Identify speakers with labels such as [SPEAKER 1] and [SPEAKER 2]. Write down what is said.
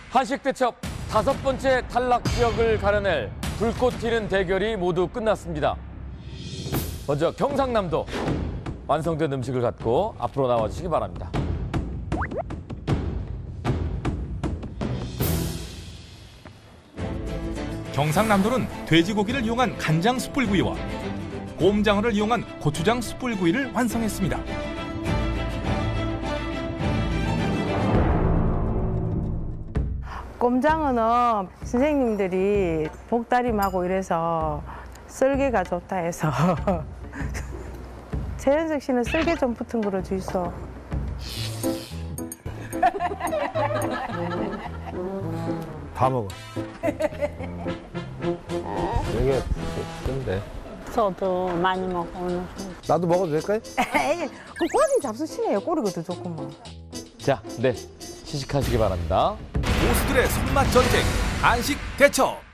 [SPEAKER 1] 한식 대첩 5번째 탈락 지역을 가려낼 불꽃 튀는 대결이 모두 끝났습니다. 먼저 경상남도 완성된 음식을 갖고 앞으로 나와주시기 바랍니다.
[SPEAKER 2] 경상남도는 돼지고기를 이용한 간장 숯불구이와 곰장어를 이용한 고추장 숯불구이를 완성했습니다.
[SPEAKER 3] 꼼장어는 선생님들이 복다림하고 이래서 쓸개가 좋다 해서 최현석 씨는 쓸개 좀 붙은 거로 주이소.
[SPEAKER 4] 다 먹어. 이게 근데
[SPEAKER 5] 저도 많이 먹어 오늘.
[SPEAKER 4] 나도 먹어도 될까요?
[SPEAKER 3] 에이, 그 꼬리 잡수시네요. 꼬리가 더 좋구만.
[SPEAKER 1] 자, 네, 시식하시기 바랍니다.
[SPEAKER 2] 고수들의 손맛 전쟁 한식 대첩.